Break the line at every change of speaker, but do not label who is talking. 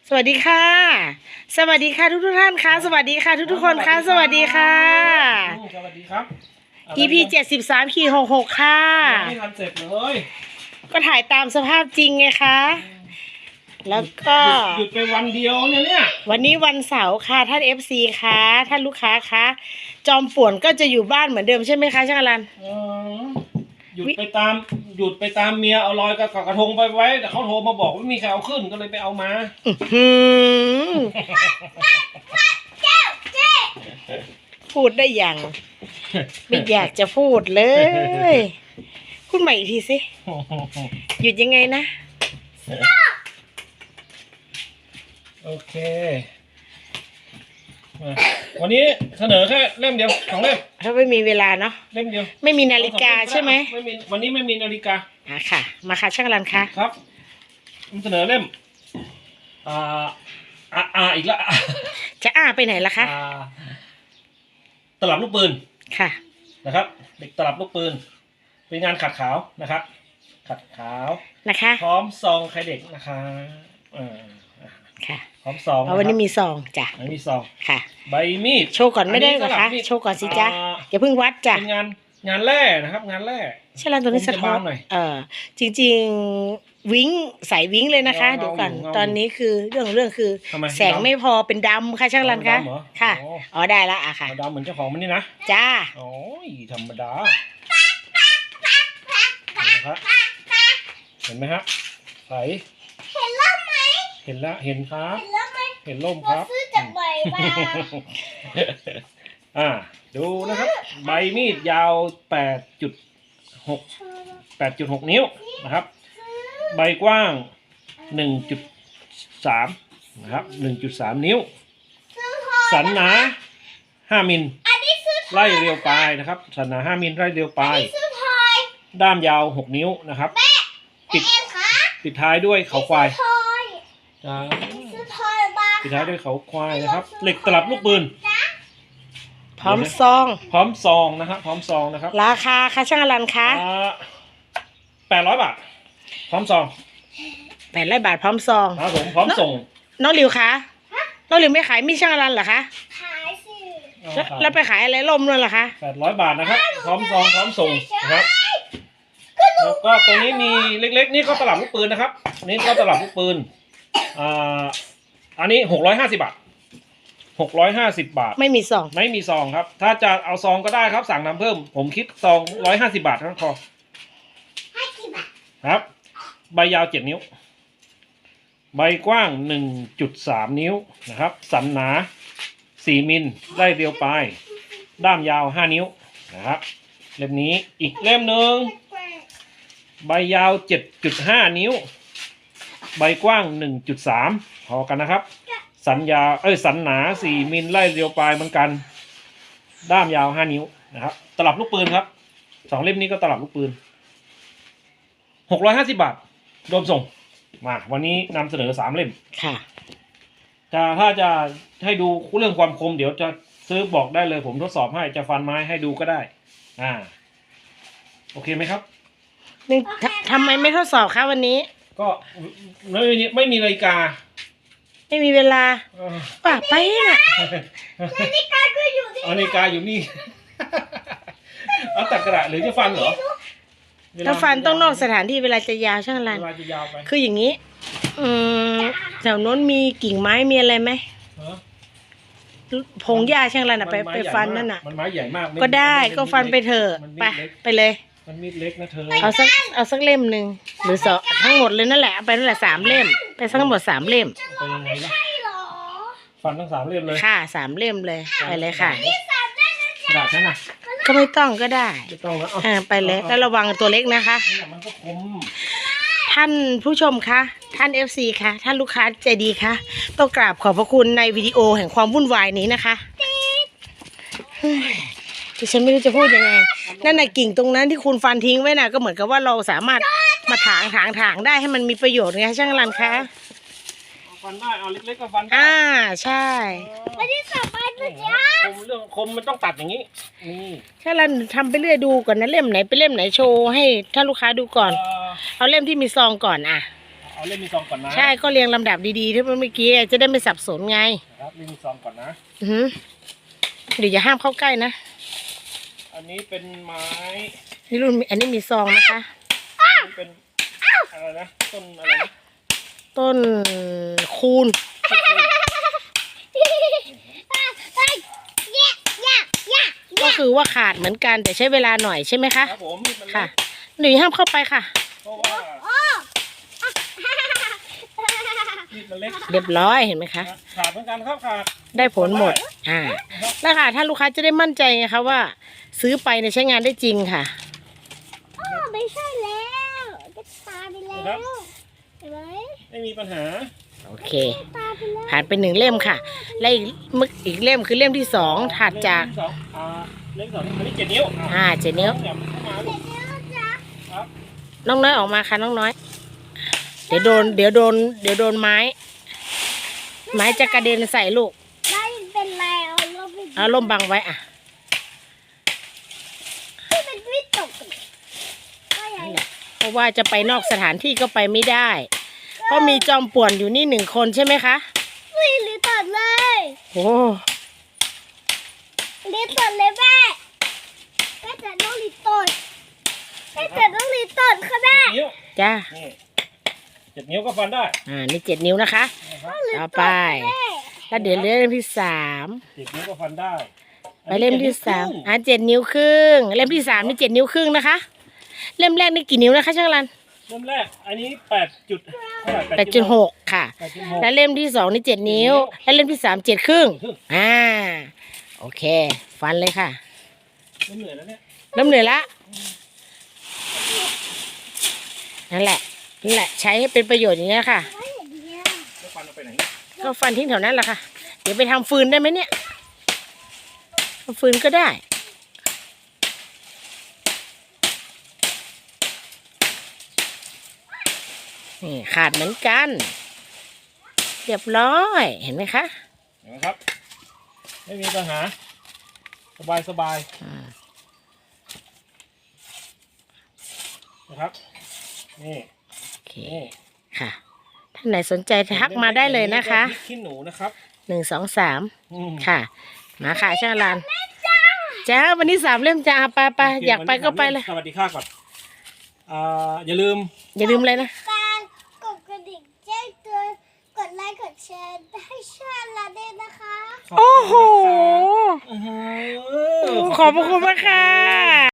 สวัสดีค่ะสวัสดีค่ะทุกท่านค่ะสวัสดีค่ะทุกคนค่ะสวัสดีค่ะ
สวัสดีครับ
EP 73-66ค่ะ
ยังไม่ทันเสร็จเลย
ก็ถ่ายตามสภาพจริงไงคะแล้วก็
หยุดไปวันเดียวเนี่ย
วันนี้วันเสาร์ค่ะท่าน FC ค่ะท่านลูกค้าคะจอมป่วนก็จะอยู่บ้านเหมือนเดิมใช่ไหมคะช่างอลัน
หยุดไปตามเมียเอาลอยกับกระทงไปไว้แต่เขาโทรมาบอกว่าไม่มีใครเอาขึ้นก็เลยไปเอามา
พูดได้อย่างไม่อยากจะพูดเลยพูดใหม่อีกทีสิหยุดยังไงนะ
โอเควันนี้เสนอแค่เล่มเดียว2 เล่ม
ถ้าไม่มีเวลาเนาะ
เล่มเดียว
ไม่มีนาฬิกาใช่ไหม
วันนี้ไม่มีนาฬิกา
ค่ะมาค่ะช่างอลันคะ
ครับเสนอเล่มอีกแล้ว
จะไปไหนล่ะคะ
ตลับลูกปืน
ค่ะ
นะครับเด็กตลับลูกปืนเป็นงานขัดขาวนะครับขัดขาว
นะคะ
พร้อมซองใครเด็กนะคะ
ค่ะ
พร้อมซอง
วันนี้มีซองจ้ะ
มีซอง
ค่ะ
ใบมีด
โชว์ก่อนไม่ได้เหรอคะโชว์ก่อนสิจ้ะอย่าเพิ่งวัดจ้ะ
เป็นงานแร่นะครับงานแร่
ใช่แล้วตัวนี้สะท้อนจริงๆวิ้งใส่วิ้งเลยนะคะเดี๋ยวก่อนตอนนี้คือเรื่องคือแสงไม่พอเป็นดำค่ะช่างรันคะค่ะได้ละค่ะ
ดำเหมือนเจ้าของมันนี่นะ
จ้า
โอ้ยธรรมดาเห็นไหมครับใส
เห็นล่มไหม
เห็นแล้วเห็นครับเห็นล่มครับ
ซื้อจากใบมา
ดูนะครับใบมีดยาว 8.6 นิ้วนะครับใบกว้าง 1.3 นะครับ 1.3 นิ้วสันหนา5 มิลไล่เรียวปลายนะครับสันหนา5 มิลไล่เรียวปลายด้ามยาว6 นิ้วนะครับปิดท้ายด้วยเขาควายปิดท้ายด้วยเขาควายนะครับเหล็กตลับลูกปืน
พร้อมซอง
นะครับพร้อมซองนะครับ
ราคาค่ะช่างอลันคะ
800 บาทพร้อมซอง
800 บาทพร้อมซอง
ครับผมพร้อมส่ง
น้องหลิวคะน้องหลิวไม่ขายมีช่างอลันเหรอคะ
ขายสิ
แล้วไปขายอะไรล่มนั่นเหรอคะ
800 บาทนะครับพร้อมซองพร้อมส่งนะครับแล้วก็ตัวนี้มีเล็กๆนี่ก็ตลับลูกปืนนะครับนี่ก็ตลับลูกปืนอันนี้650 บาท650 บาท
ไม่มีซอง
ครับถ้าจะเอาซองก็ได้ครับสั่งนำเพิ่มผมคิดซอง150 บาททั้งคอครับใบยาว7 นิ้วใบกว้าง 1.3 นิ้วนะครับสันหนา4 มิลไล่เรียวปลายด้ามยาว5 นิ้วนะครับเล่มนี้อีกเล่มหนึ่งใบยาว 7.5 นิ้วใบกว้าง 1.3 พอกันนะครับสันหนา4 มิลไล่เรียวปลายเหมือนกันด้ามยาว5 นิ้วนะครับตลับลูกปืนครับ2 เล่มนี้ก็ตลับลูกปืน650 บาทรวมส่งมาวันนี้นำเสนอ3 เล่ม
ค่ะ
ถ้าจะให้ดูเรื่องความคมเดี๋ยวจะซื้อบอกได้เลยผมทดสอบให้จะฟันไม้ให้ดูก็ได้โอเคไหมครับ
ทำไมไม่ทดสอบคะวันนี้
ก็ไม่มีนาฬิกา
ไม่มีเวลาป่ะไปน่ะ
นาฬิกาก็อยู่ที่
นาฬิกาอยู่นี่เอาตัดกระดาษหรือจะฟันเหรอ
ถ้าฟันต้องนอกสถานที่เวลาจะยาวช่างรันคืออย่างนี้แถวโน้นมีกิ่งไม้มีอะไรไหมพงหญ้าช่างรันไปฟันนั่นน่ะ
มันไม้ใหญ่มาก
ก็ได้ก็ฟันไปเถอะไปเลย
มันมีดเล็กนะเธอ
เอาสักเล่มหนึ่งหรือ2ทั้งหมดเลยนั่นแหละไปนั่นแหละ3 เล่มไปทั้งหมด3 เล่ม
ไปยังไงล่ะฟันทั้ง3 เล่มเลย
ค่ะ3 เล่มเลยไปเลยค่ะ
กระดาษนั่นน่ะ
ก็ไม่ต้องก็ได้
ไม่ต้องแล้ว
ไปเลยแล้วระวังตัวเล็กนะคะ
มันก็คม
ท่านผู้ชมคะท่าน FC คะท่านลูกค้าใจดีคะต้องกราบขอบพระคุณในวิดีโอแห่งความวุ่นวายนี้นะคะดิฉันไม่รู้จะพูดยังไงนั่นน่ะกิ่งตรงนั้นที่คุณฟันทิ้งไว้น่ะก็เหมือนกับว่าเราสามารถมาถางได้ให้มันมีประโยชน์ไงช่างรันคะ
ฟันได้เอาเล็กๆก็ฟันได้
ใช่
ไม่ได้สบายเลยจ้า
เรื่องคมมันต้องตัดอย่างนี้
ช่างรันทำไปเรื่อยดูก่อนนะเล่มไหนเป็นเล่มไหนโชว์ให้ท่านลูกค้าดูก่อนเอาเล่มที่มีซองก่อน
เอาเอาเล่มที่ซองก่อนนะ
ใช่ก็เรียงลำดับดีๆที่เมื่อกี้จะได้ไม่สับสนไง
นะครับเล่มที่ซองก่อนนะ
อือหือเดี๋ยวอย่าห้ามเข้าใกล้นะ
อันนี้เป็นไม้
นี่รุ่นอันนี้มีซองนะคะ
อันนี้เป็นอะไรนะต้นอะไรนะ
ต้นคูณ ก็คือว่าขาดเหมือนกันแต่ใช้เวลาหน่อยใช่ไหมคะ
ครับผมมีดมันเล็
ค่ะ
ก
หนูห้ามเข้าไปค่ะ
เพราะว่ามีดมันเล็ก
เรียบร้อยเห็นไหมคะ
ขาดเหมือนกันครับขาด
ได้ผลหมด แล้วค่ะถ้าลูกค้าจะได้มั่นใจไงคะว่า ซื้อไปเนี่ยใช้งานได้จริงค่ะ
ไม่ใช่แล้วจะตายไปแล้วเห็นไหม
ไม่มีปัญหา
โอเค
ตายไปแล้ว
ผ่านไป1เล่มค่ะ และอีกเล่มคือเล่มที่2ถัดจาก
เล่มที่สองเล่มที่สองอันนี้7 นิ้ว
7 นิ้ว
อย่าเข้ามาลูกครับ
น้องน้อยออกมาค่ะน้องน้อย เดี๋ยวโดนไม้ จะกระเด็นใส่ลูก
ไม่เป็นไรเอาลมไป
เอาล่มบังไว้อ่ะ
ที่เป็นวิตกก็ยัง
เพราะว่าจะไปนอกสถานที่ก็ไปไม่ได้ เพราะมีจอมป่วนอยู่นี่1 คนใช่ไหมคะ
ไม่หรือตัดเลย
โอ้
หรือตัดเลยแม่แม่จะต้องรีตดแม่จะต้องรีตดค่ะแม่
7 นิ้ว
จ้า
นี่7 นิ้วก็ฟันได้
นี่7 นิ้วนะคะ
นะครับ
ต่อไป แล้วเดี๋ยวเล่มที่3
7 นิ้วก็ฟันได้
ไปเล่มที่3 7 นิ้วครึ่งเล่มที่3นี่7 นิ้วครึ่งนะคะ เล่มแรกนี่กี่นิ้วนะคะช่างรัน
เล่มแรกอันนี้8.6
ค่ะ
8.6
แล้วเล่มที่2นี่7 นิ้ว แล้วเล่มที่3 7 ครึ่งโอเค ฟันเลยค่ะ
ไม่เหนื่อยแล้วเนี่ย
เริ่มเหนื่อยละนั่นแหละใช้ให้เป็นประโยชน์อย่างนี้ยค่ะ
ไม่เห็นเนี่ย
แล้วฟันเอาไปไหน
ก็ฟันทิ้งแถวนั้นแหละค่ะ เดี๋ยวไปทำฟืนได้ไหมเนี่ยทำฟืนก็ได้ นี่ขาดเหมือนกัน เรียบร้อยเห็นไหมคะ
เห็นไหมครับ ไม่มีปัญหา สบายนะครับนี่
โอเค
นี่
ค่ะท่านไหนสนใจทักมาได้เลยนะคะ
พริกขี้หนูนะครับ
1 2 3
อืม
ค่ะ มาค่ะช่างรันจ้าวันนี้3 เล่มจ้าไป
โเค
อยากไปก็ไปเลย
สวัสดีค่ะก่อนอย่าลืม
อย่าลืมเลยนะ
การกดกระดิ่งแจ้งเตือนกดไลค์กดแชร์ให้ช่องเราด้วยนะคะ
โอ้โห
อื้อหื
ขอบพระคุณมากค่ะ